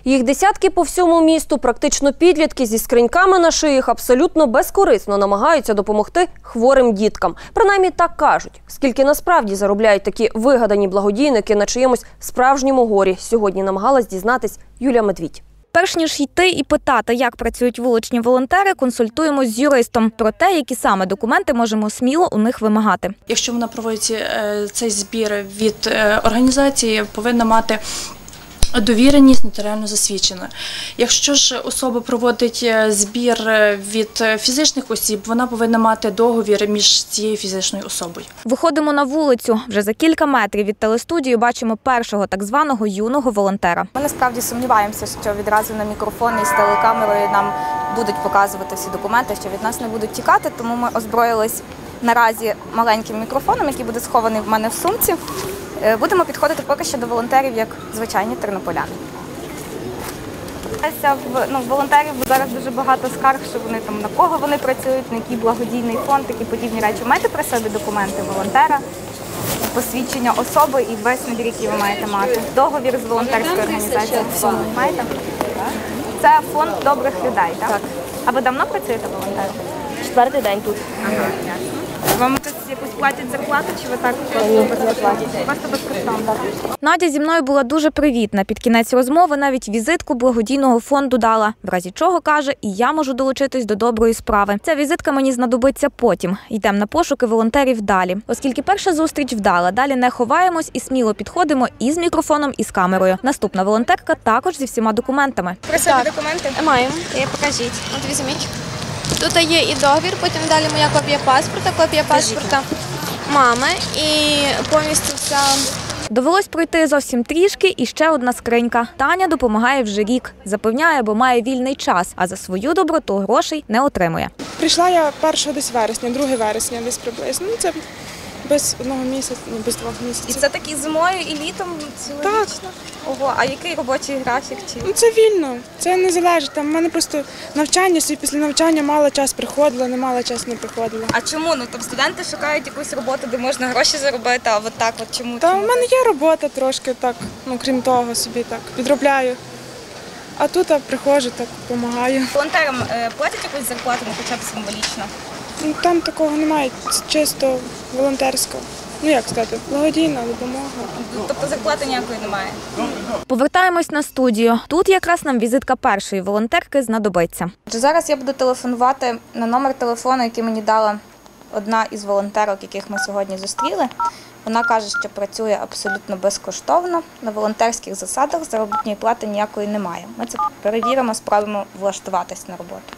Їх десятки по всьому місту, практично підлітки зі скриньками на шиях абсолютно безкорисно намагаються допомогти хворим діткам. Принаймні так кажуть. Скільки насправді заробляють такі вигадані благодійники на чиємусь справжньому горі, сьогодні намагалась дізнатись Юлія Медвідь. Перш ніж йти і питати, як працюють вуличні волонтери, консультуємось з юристом про те, які саме документи можемо сміло у них вимагати. Якщо вона проводить цей збір від організації, повинна мати довіреність нотаріально засвідчена. Якщо ж особа проводить збір від фізичних осіб, вона повинна мати договір між цією фізичною особою. Виходимо на вулицю. Вже за кілька метрів від телестудії бачимо першого так званого юного волонтера. Ми насправді сумніваємося, що відразу на мікрофон і з телекамерою нам будуть показувати всі документи, що від нас не будуть тікати, тому ми озброїлись наразі маленьким мікрофоном, який буде схований в мене в сумці. Будемо підходити поки що до волонтерів, як звичайні тернополяни. Волонтерів зараз дуже багато скарг, що вони там на кого вони працюють, на який благодійний фонд, такі подібні речі. Маєте при собі документи волонтера, посвідчення особи і весь набір, який ви маєте мати. Договір з волонтерською організацією. Маєте? Це фонд добрих людей, так? Так. А ви давно працюєте волонтером? 4-й день тут. Ага, ясно. Вам тут якусь платять зарплату, чи ви так просто безкоштовно? Надя зі мною була дуже привітна. Під кінець розмови навіть візитку благодійного фонду дала. В разі чого, каже, і я можу долучитись до доброї справи. Ця візитка мені знадобиться потім. Йдемо на пошуки волонтерів далі. Оскільки перша зустріч вдала, далі не ховаємось і сміло підходимо і з мікрофоном, і з камерою. Наступна волонтерка також зі всіма документами. При собі документи? Маємо. Покажіть. От візьміть. Тут є і договір, потім далі моя копія паспорта мами і повністю вся. Довелось пройти зовсім трішки і ще одна скринька. Таня допомагає вже рік. Запевняє, бо має вільний час, а за свою доброту грошей не отримує. Прийшла я 1 десь вересня, 2 вересня десь приблизно. Це без 1 місяця, без 2 місяців. І це так і зимою, і літом цілорічно? Ого, а який робочий графік? Це вільно, це не залежить. Там в мене просто навчання, після навчання мало час приходила, не мало часу не приходила. А чому? Ну, тобто студенти шукають якусь роботу, де можна гроші заробити, а от так от чому? Та в мене є робота трошки так, крім того собі так, підробляю. А тут приходжу, так, допомагаю. Волонтерам платять якусь зарплату, ну хоча б символічно? Там такого немає, чисто волонтерського. Як сказати, благодійна допомога. Тобто зарплати ніякої немає? Повертаємось на студію. Тут якраз нам візитка першої волонтерки знадобиться. Зараз я буду телефонувати на номер телефону, який мені дала одна із волонтерок, яких ми сьогодні зустріли. Вона каже, що працює абсолютно безкоштовно, на волонтерських засадах, заробітної плати ніякої немає. Ми це перевіримо, спробуємо влаштуватись на роботу.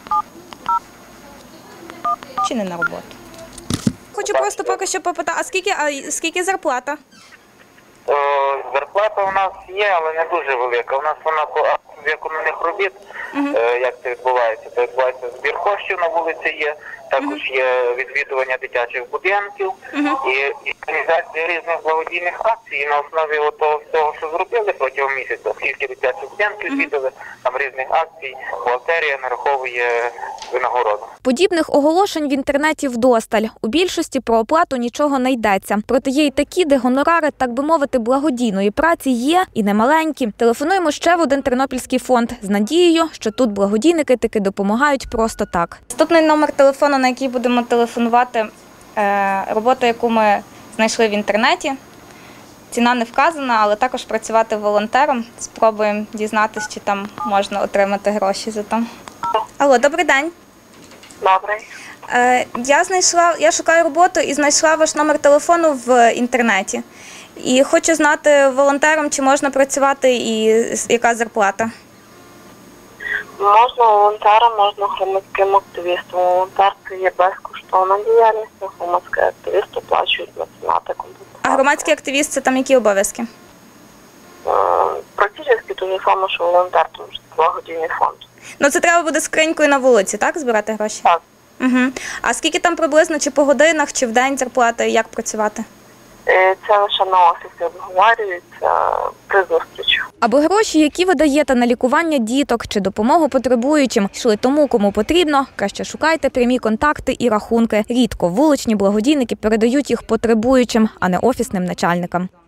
Чи не на роботу? Хочу просто поки що попитати, а скільки зарплата? Зарплата у нас є, але не дуже велика. У нас вона по виконаних робіт, як це відбувається. Це відбувається збір коштів на вулиці є, також є відвідування дитячих будинків і організація різних благодійних акцій. І на основі того всього, що зробили протягом місяця, скільки дитячих будинків відвідали, там різних акцій, бухгалтерія нараховує винагороду. Подібних оголошень в інтернеті вдосталь. У більшості про оплату нічого не йдеться. Проте є й такі, де гонорари, так би мовити, благодійної праці є і немаленькі. Телефонуємо ще в один тернопільський фонд з надією, що тут благодійники таки допомагають просто так. Наступний номер телефону, на який будемо телефонувати, робота, яку ми знайшли в інтернеті. Ціна не вказана, але також працювати волонтером. Спробуємо дізнатися, чи там можна отримати гроші за то. Алло, добрий день. Добре. Я шукаю роботу і знайшла ваш номер телефону в інтернеті. І хочу знати волонтером, чи можна працювати і яка зарплата. Можна волонтером, можна громадським активістом. Волонтер – це є безкоштовна діяльність, громадський активіст оплачують меценати. А громадський активіст – це там які обов'язки? Практично те ж саме, що волонтер, тому що це благодійний фонд. Ну це треба буде скринькою на вулиці, так, збирати гроші? Так. А скільки там приблизно, чи по годинах, чи в день зарплата, і як працювати? Це лише на офісі обговорюється при зустрічі. Аби гроші, які ви даєте на лікування діток чи допомогу потребуючим, йшли тому, кому потрібно, краще шукайте прямі контакти і рахунки. Рідко вуличні благодійники передають їх потребуючим, а не офісним начальникам.